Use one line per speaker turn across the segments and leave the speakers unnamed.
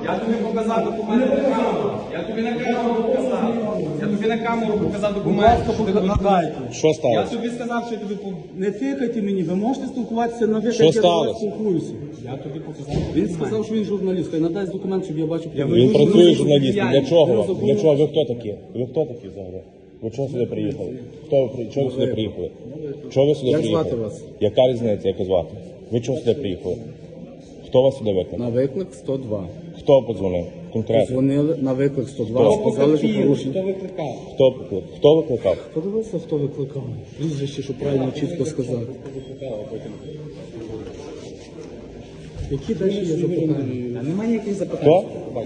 Я тобі показав документи на камеру. Я тобі на камеру показав. Я тобі на камеру показав документи.
Надайте.
Що
Я
сталося?
тобі сказав, що я тобі
Не тикайте мені, ви можете спілкуватися на ви,
Що
як я до вас
сталося?
спілкуюся.
Я тобі показав.
Він сказав, що він журналіст, хай надасть документ, щоб я бачив.
Він працює журналістом. Для чого вам? Для чого? Ви хто такі? Ви хто такі взагалі? Ви чого сюди приїхали? Чого ви сюди приїхали? Чого ви сюди
Як
приїхали?
звати вас?
Яка різниця, як звати? Ви чого сюди приїхали? Хто вас сюди викликав?
На виклик 102.
Хто подзвонив? Конкретно.
Дзвонили на виклик 102, сказали, що порушення.
Хто викликав?
Хто викликав?
Подивися, хто викликав. Прізвище, щоб правильно чітко сказати. Які далі є запитання?
Немає ніяких запитань.
Хто?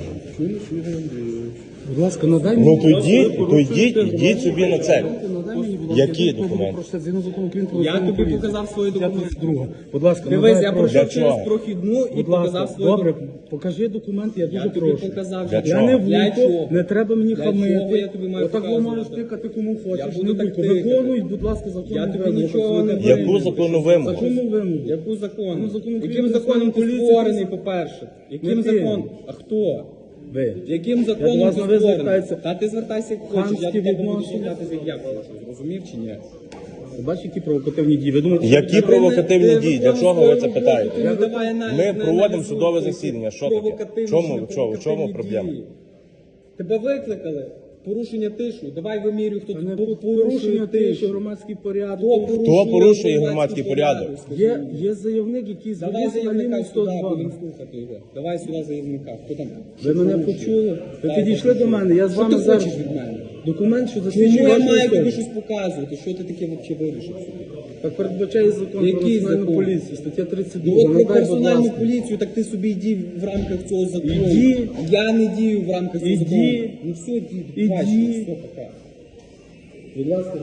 Будь ласка, надай
Ну
мені.
то йдіть собі на це.
Надай мені, будь ласка,
Які
я
документи?
Про згідно закону України про
Я
національну
тобі
поліцію.
показав свої документи.
52. Будь ласка,
Дивись,
надай,
я
прошу.
Для
пройшов через
чого?
прохідну і
Будь
показав
ласка,
свої
добре,
документи.
покажи документи, я
Я
дуже
тобі
прошу.
показав.
Для
що-
чого?
Я не
Для
вуйко,
чого?
не треба мені
Для
хамити.
чого я тобі маю
Отак ви
показувати?
можеш тикати кому хочеш.
буду
Не
так
вуйко.
тикати.
Виконуй, будь ласка, законну
Я тобі
вимогу.
нічого не
працівника.
Яку законну вимогу?
Законну вимогу.
Яку закону?
Ну, закон України
Яким
про
законом ти
поліцію.
створений, по-перше? Яким
Не ти.
законом? А хто?
Ви.
Яким
Я до
законом
вас
ти
на ви
створений?
звертаюся.
Та ти звертайся як хочеш, я
Хамські
до тебе буду
відношення.
звертатися як я хочу. Зрозумів чи ні?
Ви бачите, які провокативні дії? Ви думаєте,
Які провокативні дії? Для чого ви це питаєте? Ми проводимо
судове
судове засідання. Що таке? Чому проблема?
Тебе викликали. Порушення тишу. Давай вимірюй, хто
не
тут
порушення тиші, громадський порядок.
Хто порушує громадський порядок?
Є заявник, який
Давай
звернувся на
заявника
лінію
сюди,
102.
будемо слухати його. Давай сюди заявника. Хто там?
Ви мене почули? Ви підійшли до мене, я з
Що
вами
ти
зараз.
хочеш від мене?
Документ, що
Чому
засвідчує
я
вашу
маю тобі
особу.
щось показувати? Що ти таке взагалі вирішив собі?
Так передбачає закон про
Який
національну
закон?
поліцію, стаття 32.
Ну от про
Надай, будь
персональну
ласка.
поліцію, так ти собі йди в рамках цього закону.
Іди.
Я не дію в рамках цього
Іди.
закону. Ну все, іди,
Іди.
бачиш, все, пока.
Будь ласка.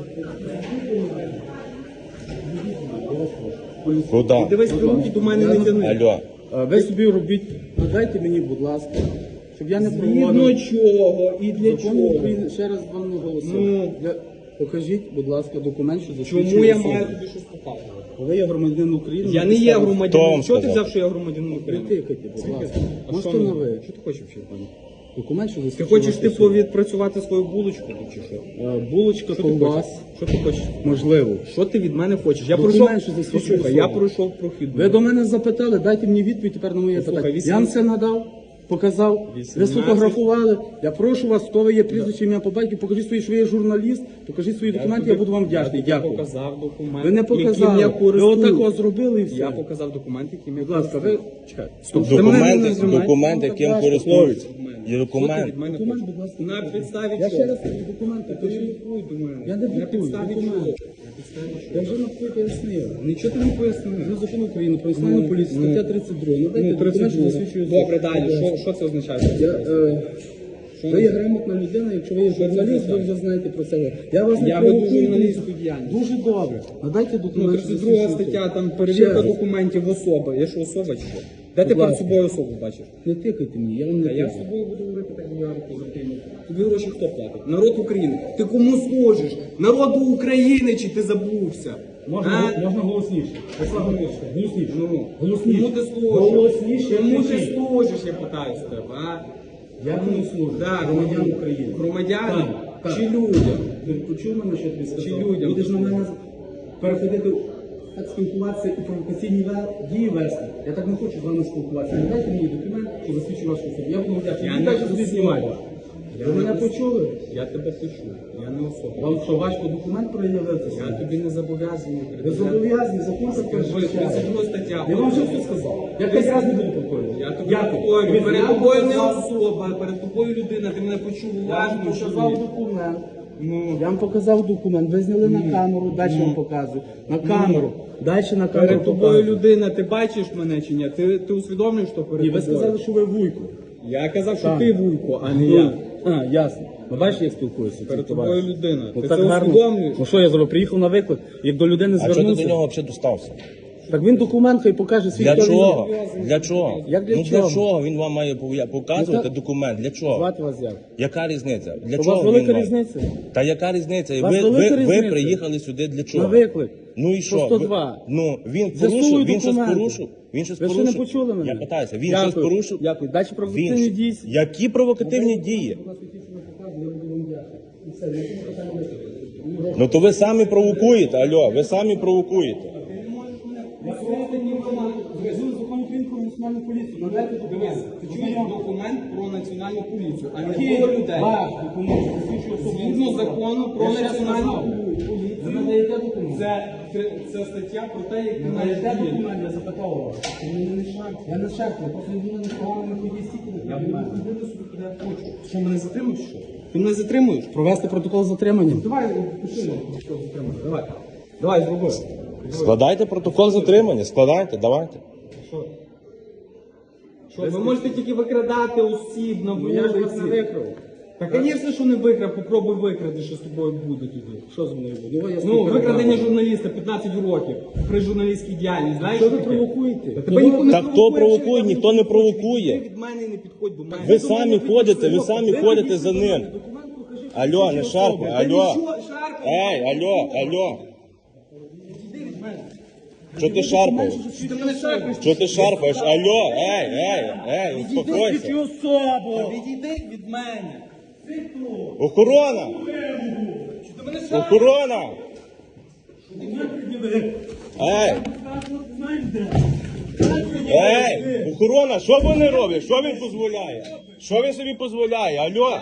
Куди?
Дивись, руки до мене не тяни.
Алло.
Ви собі робіть, надайте мені, будь ласка, щоб я не
Згідно
проводив.
чого і для
Закон
чого?
України, ще раз вам наголосив.
Ну.
Покажіть, будь ласка, документ, що засвідчує
Чому я
особу.
маю тобі щось показувати?
Ви є громадянин України.
Я
на
не є
підставі-
Хто
громадянином.
вам
Що ти
сказав?
взяв, що я громадянин
Не
України?
тикайте, будь ласка.
А
Можете
що
на
мені?
ви.
Що ти хочеш ще?
Документ, що
Ти
засвідчує
хочеш
вашу
типу
особу.
відпрацювати свою булочку тут чи що?
Булочка,
Що ти хочеш?
ковбас,
Що ти хочеш?
можливо.
Що ти від мене хочеш? Я
Документ,
пройшов,
що засвідчує
послухай, я
особу.
пройшов прохідну.
Ви до мене запитали, дайте мені відповідь тепер на моє
Послухай,
питання.
18.
Я вам це надав, показав, ви
18.
сфотографували. Я прошу вас, хто ви є, прізвище, ім'я по батьку, покажіть свої, що ви є журналіст, покажіть свої документи, я буду вам вдячний.
Я
Дякую.
показав документ,
Ви не
яким
показали.
я
Ви
користуюсь.
отако зробили і все.
Я показав документ, яким я
Будь ласка, ви чекайте. Стоп.
Документи, яким користуються. Є документ.
Документ, будь ласка.
На підставі
Я
чого?
ще раз кажу, документи,
Ти
кажіть.
диктуй до мене.
Я не
На
диктую,
підставі
документи.
чого?
Я вже навпаки пояснив.
Нічого ти не пояснив.
Ну, закон України про національну поліцію, стаття 32. Надайте
Ну,
документ, що
32.
засвідчує особу.
Добре, далі. Що це означає?
Ви є грамотна людина, якщо ви є журналіст, ви вже знаєте про це. Я вас не
Я веду
провокую.
журналістську діяльність.
Дуже добре. Надайте
Ну,
документ.
32 стаття, там перевірка документів особи. Я що, особа чи що? Де ти
Будь
перед
ласка.
собою особу бачиш?
Не тикайте мені, я вам не
А я з
тикаю.
тобою буду говорити так, як я розумію. Тобі гроші хто платить? Народ України. Ти кому служиш? Народу України чи ти забувся?
Можна
А?
голосніше. Голосніше.
Ну,
Голосніше.
кому ти служиш?
Голосніше.
Кому ти
кричіть.
служиш, я питаю з тебе, а?
Я кому служу?
Да,
Громадян України.
Громадянам
Так,
чи
так.
людям?
Ти почув мене, що я тобі сказав?
Чи людям?
Будеш на мене переходити, так спілкуватися і провокаційні дії вести. Я так не хочу з вами спілкуватися. Не дайте мені документ, що засвідчує вашу особу. Я буду вдячний.
Я
Ви
не
далі собі
особа.
знімайте. Ви мене почули?
Я тебе почув, я не особа.
Вам що, важко документ проявився?
Я тобі не зобов'язаний.
Ви зобов'язані, закон це
Скажи, 32 стаття.
Я вам вже все сказав. Я 5 разів не буду повторювати.
Я тобі
Дякую.
повторюю, перед
Я
тобою не
показав-
особа, перед тобою людина, ти мене почув
Я
уважно.
вам
що
показав
ні?
документ.
Ну,
Я вам показав документ. Ви зняли на камеру, далі вам показую. На камеру. Далі на камеру
перед тобою
показую.
людина, ти бачиш мене чи ні? Ти усвідомлюєш, що перед
Ні, ви
тобою?
сказали, що ви вуйко.
Я казав, що
Так.
ти Вуйко, а не я.
А, ясно. Ви бачите, як спілкуюся?
Перед
ці
тобою
товариші?
людина.
Ну
Ти
так
це
гарно.
усвідомлюєш?
Ну що я зробив? Приїхав на виклик, як до людини
А чого ти
звернувся.
до нього взагалі достався?
Так він документ хай покаже свій
Для
хто він є.
чого? Для чого?
Як для
Ну
чого?
для чого він вам має показувати
Ну,
документ? Для чого?
Звати вас як?
Яка різниця? Для
У вас
чого
велика
він вам?
різниця?
Та яка різниця?
У вас
Ви,
велика
ви, ви
різниця?
приїхали сюди для чого?
На виклик.
Ну і
По
що?
102.
Ну він
З'ясую
порушив, він щось
документи.
порушив. Він щось
Ви ще
порушив?
не почули мене?
Я питаюся, він
Дякую.
щось порушив?
Дякую. Далі провокативні
Він...
дії.
Які провокативні дії? Ну то ви самі провокуєте, алло, ви самі провокуєте.
Зв'язку закону України про національну поліцію. Надайте документ.
Ти чуєш документ про національну поліцію, а не
Який
про людей.
ваш документ засвідчує особу?
Згідно закону про
Я ще раз
національну
назвав.
поліцію.
Ви надаєте документ?
Це стаття про те, як ти
Ви
маєш
надаєте
діяти.
документ, я запитав вас. Я не шарпаю, просто людина не поганими повістіки.
Я буду ходити собі, куди я хочу. Що, мене затримуєш, що? Ти мене затримуєш?
Провести протокол затримання.
Давай, пиши протокол затримання. Давай. Давай, зроби.
Складайте протокол затримання, складайте, давайте.
Що, ви можете тільки викрадати осіб на
Я ж вас не
вулиці.
викрав.
Та, звісно, що не викрав, попробуй викради, що з тобою буде тоді.
Що з мною буде?
Ну, викрадення журналіста 15 років при журналістській діяльності. Знаєш,
Що ви
таке?
провокуєте?
Та тебе ніхто не
Та хто
провокує,
провокує?
що
Ніхто не провокує.
Ти від мене не підходь до мене.
Ви самі ходите, ви самі ходите за ним. Алло, не шарпай, алло. Ей, алло, алло. Що ти шарпаєш?
Ти мене шарпаєш.
Що ти шарпаєш? Алло, ей, успокойся.
Та відійди від мене.
Охорона!
Ти мене шарпаєш.
Охорона! Ей, охорона, що вони роблять? Що він дозволяє? Що він собі дозволяє? Алло?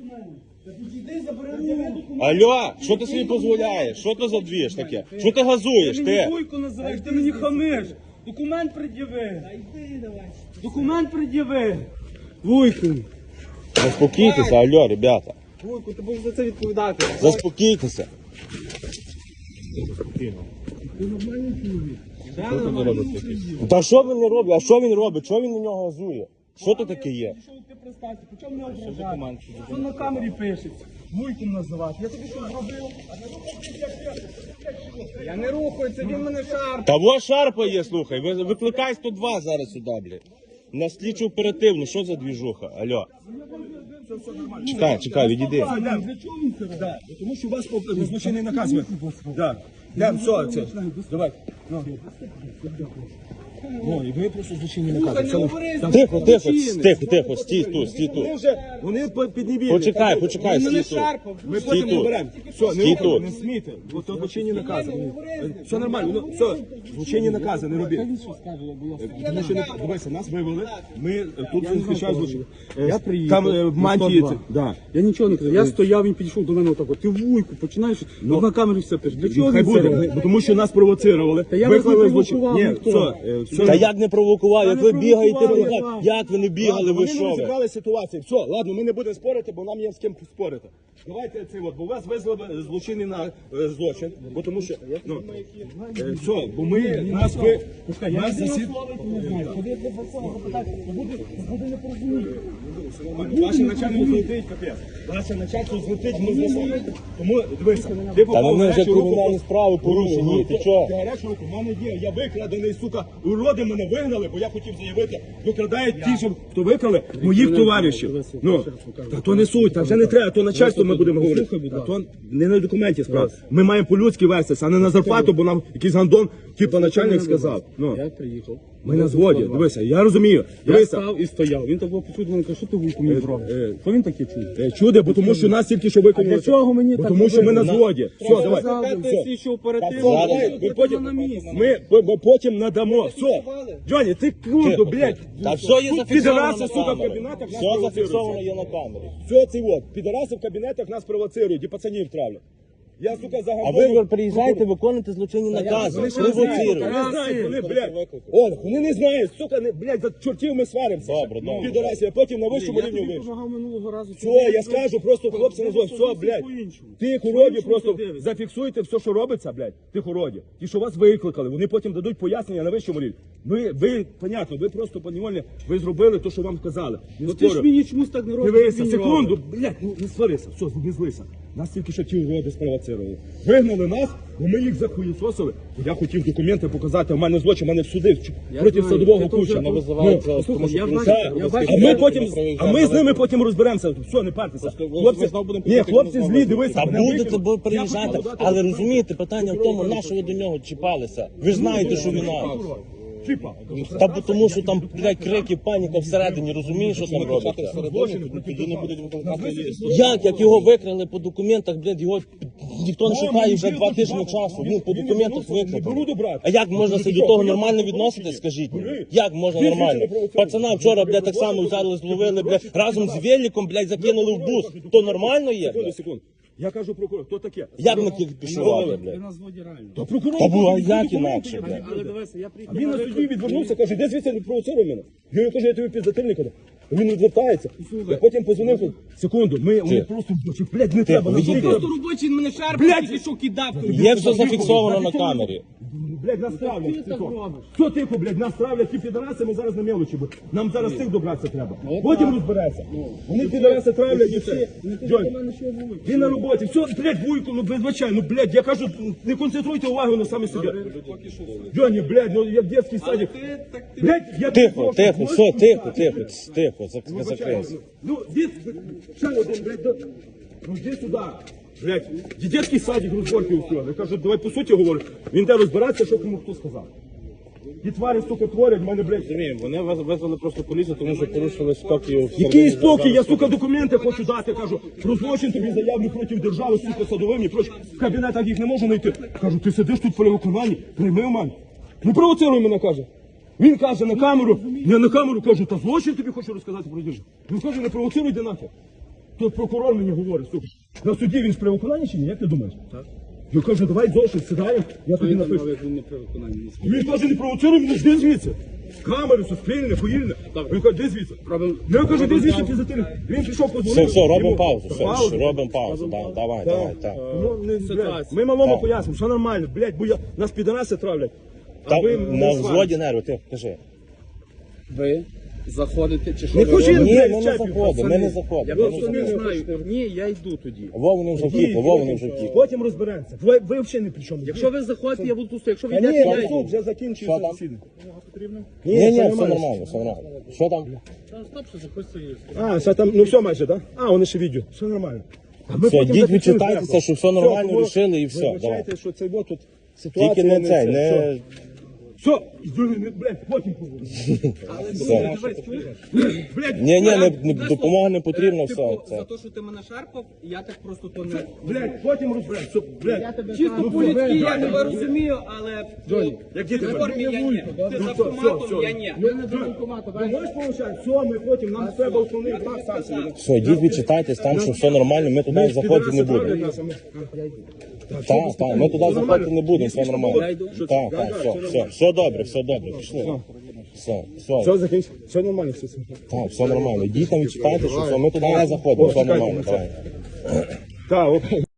Алло, що ти собі дозволяєш? Що це за двіж таке? Що ти газуєш? Ти?
Вуйку називаєш, ти мені хамиш. Документ пред'яви. Документ пред'яви. Вуйку.
Заспокійтеся, алло, ребята.
Вуйку, ти будеш за це відповідати.
Заспокійтеся. Та що він не робить? А що він робить? Що він на нього газує? Що то таке є?
Що ти представся? Почав мене ображати? Що на камері пишеться? Вуйком називати. Я тобі що зробив?
Я не рухаю, це він мене шарпає.
Та во шарпає, слухай. Викликай 102 зараз сюди, блядь. На слідчу оперативну, що за двіжуха? Алло. Чекай, відійди.
Для чого він це робить?
Тому що у вас злочинний наказ. Так. Все, це. Давай. Ну, і ви просто злочинні накази. Все.
Тихо, стій тут.
Вони піднебільні.
Почекай,
Мене
стій тут.
шарпав.
Ми
Стій
потім не
тут.
беремо. Все,
Стій тут.
не смійте. Бо то злочинні накази. Все нормально. Ну, все, злочинні накази, не робіть. Тому що, дивися, нас вивели, ми тут захищаємо злочин.
Я приїхав.
Там в мантії.
102.
Да.
Я нічого не казав. Я стояв, він підійшов до мене отак. Ти вуйку, починаєш, на камері все пишеш. Для чого
Хай
він це
буде,
робить?
бо тому що нас провоцирували.
Та я вас не
Виклали злочин.
провокував,
Ні,
ніхто.
все.
Та як не провокував, як ви
не
бігаєте,
провокував,
як ви не бігали, ви
Вони не
що ви?
розібрали ситуацію. Все, ладно, ми не будемо спорити, бо нам є з ким спорити. Давайте це от, бо вас визвали злочинний на злочин, бо тому що, ну, все, бо ми, нас ви, нас засід... Ваше начальство злетить, капець. Ваше начальство злетить, ми засадимо. Тому, дивися, ти
Та
попав
на
в
мене вже
гарячу руку.
кримінальні справи порушені, ти чого?
Ти гарячу руку, в мене є, я викрадений, сука, уроди мене вигнали, бо я хотів заявити, викрадають ті, що хто викрали, моїх товаришів. Ну, та то не суть, та вже не треба, то начальство ми будемо говорити. Та то не на документі справа. Ми маємо по-людськи вестися, а не на зарплату, бо нам якийсь гандон, типу начальник сказав. Ну,
Я приїхав.
ми на згоді, дивися, я розумію.
Я
Дивися,
став і стояв. Він так почув, мене каже, що ти вуйку мені зробиш? Що він таке чує?
чуде, бо тому що нас тільки що виконали.
для чого мені
Бо
так
тому що ми на
робити?
згоді. Все, давай.
Викликати слідчу оперативну.
Зараз.
Ми потім, ми потім надамо. Все. Джоні, ти круто, блядь.
Та все є зафіксовано
Підараси,
на
сука, в
камері.
кабінетах нас
Все
провоцирують.
зафіксовано є на камері.
Все це от. Підараси в кабінетах нас провоцирують і пацанів травлять. Я, сука,
А
загадую.
ви приїжджаєте виконувати злочинні накази,
Вони ще не знають,
провоцируєте.
вони не знають, вони, блядь. О, вони не знають, сука, не, блядь, за чортів ми сваримося.
Добре.
Підараси, а потім на вищому
Я
рівні
тобі
вийшов.
допомагав минулого разу.
Все, я скажу, просто хлопці називають, все, блядь. Тих уродів просто зафіксуйте все, що робиться, блядь. Тих уродів. Ті, що вас викликали, вони потім дадуть пояснення на вищому рівні. Ви, понятно, ви просто поневольні, ви зробили те, що вам казали. Не
Ну ти ж
спорю.
мені чомусь так не робиш.
Дивися,
він
секунду,
робить.
блядь, ну не сварися, все, не злися. Нас тільки що ті уроди спровоцирували. Вигнали нас, бо ми їх захуєсосили. Я хотів документи показати, у мене злочин, у мене в суди проти
знаю,
садового
ти то вже
куча.
Не визивається,
послухай,
тому що
я
поліція
бачу, я бачу.
А ми
не
потім,
проїжджає
а ми з
далеко.
ними потім розберемося. Все, не партеся. Хлопці,
знову будемо
ні,
приїхати,
хлопці
ми
злі,
знову
дивися.
Та
мене
будете,
викинули.
бо
Я
приїжджати,
хотів подати
але
документи.
розумієте, питання в тому, на що ви до нього чіпалися. Ви ж знаєте, що він нас.
Чіпа.
Та бо тому, що там, блядь, крики, паніка всередині, розумієш, що там робиться?
Тоді не будуть викликати.
Як його викрали по документах, блядь, його ніхто не шукає вже 2 тижні часу. Він по документах викрали. А як можна себе до того нормально відносити, скажіть мені? Як можна нормально? Пацана вчора, блядь, так само взяли, зловили, блядь, разом з великом, блядь, закинули в бус. То нормально є, блядь?
Секунду. Я кажу прокурор, хто таке?
Як ми тільки пішували,
Ви
блядь?
нас воді реально.
Та прокурор.
Та було, а
прокурор,
як
прокурор,
інакше,
прокурор.
блядь?
Але дивися, я приїхав.
А він на суді відвернувся, каже, де звідси не провоцируй мене. Я йому кажу, я тобі підзатильник. Він відвертається. Я потім позвонив, кажу, секунду, вони просто, блядь, не треба. на
відійди.
суді.
Просто робочий мене шарпав,
Блядь!
тільки що кидав.
Є все зафіксовано на камері.
Блядь, нас травлять. Що тихо, блядь, нас травлять, ті підараси, ми зараз на мелочі. Нам зараз цих добратися треба. Потім розбереться. Вони підараси травлять і все. Джонь, він на роботі. Все, блядь, вуйку, ну, вибачай, ну, блядь, я кажу, не концентруйте увагу на самі собі. Джоні, блядь, ну, як дитячий садик. Блядь, я
Тихо, тихо, все, тихо, тихо, тихо, закрийся.
Ну, дід, ще один, блядь, ну, йди сюди. Блядь, дитячий садик розборки устроїли. Я кажу, давай по суті говорю. Він де розбиратися, що кому хто сказав. Ті тварі, сука, творять, в мене, блядь.
Вони визвали просто поліцію, тому що порушили спокій.
Який спокій? Я, сука, документи хочу дати, кажу, про злочин тобі заявлю проти держави, сука, садовими, проти в кабінетах їх не можу знайти. Кажу, ти сидиш тут при виконанні, прийми в мене. Не провоцируй мене, каже. Він каже на камеру, я на камеру кажу, та злочин тобі хочу розказати про державу. Він каже, не провоцируй, йди нахер. Тут прокурор мені говорить, сука. На суді він ж при виконанні чи ні, як ти думаєш? Так. Я кажу, давай зошит, сідаємо, я тобі напишу.
Він не при виконанні.
Він каже, не провоцируй мене, йди звідси. Камери, суспільне, поїльне. Він каже, де звідси? Я кажу, де звідси ти затилив? Він пішов
Все,
позвонив.
все, робимо
йому.
паузу, все,
Паузу?
робимо паузу, давай, так.
Ну, не, блядь, ми малому пояснимо, що нормально, блядь, бо нас підараси травлять. А
Та
ви
на
не
взводі
сварите.
нерви, ти кажи.
Ви заходите чи що?
Не
ви
хочу
робите?
Ні,
блядь,
ми не
чапів,
заходимо,
пацани.
ми не
Я
заходимо.
просто не знаю. Ні, я йду тоді.
Вони вже втікли, вони вже втікли.
Потім розберемося. Ви взагалі не при чому.
Якщо ви заходите, я буду тут стояти. Якщо ви
Ні,
йдете, я
я
йду.
суд вже закінчується
Що там?
засідання.
Ні, все нормально, все нормально. Що там?
А, все там, ну все майже, так? А, вони ще відео. Все нормально. А ми
Все,
потім
йдіть,
зафіксуємо
відчитайтеся,
прямо.
що все нормально
тому
рішили і все,
вибачайте,
давай.
що це тут ситуація.
Тільки не цей,
це,
не...
Все, блядь, потім поговоримо.
Все.
Блядь,
Ні, допомога не потрібна, все.
Типу,
Це.
за те, що ти мене шарпав, я так просто то не...
блядь, потім розберемося. Блядь,
Чисто по-людськи я тебе розумію, але
як
в
діти
формі я ні. Ти з
все,
автоматом, я ні.
ви можеш получати? Все, ми потім, нам треба основний знак станції.
Все, йдіть, відчитайтесь, там, що все нормально, ми туди заходити не будемо. Так, ми туди заходити не будемо, все нормально. Так, все добре, пішли. Все,
Все, закінчимо. Все нормально, все.
так, все нормально. Йдіть там, відчитайте, що все, ми туди не заходимо, все нормально, давай.
Так, окей.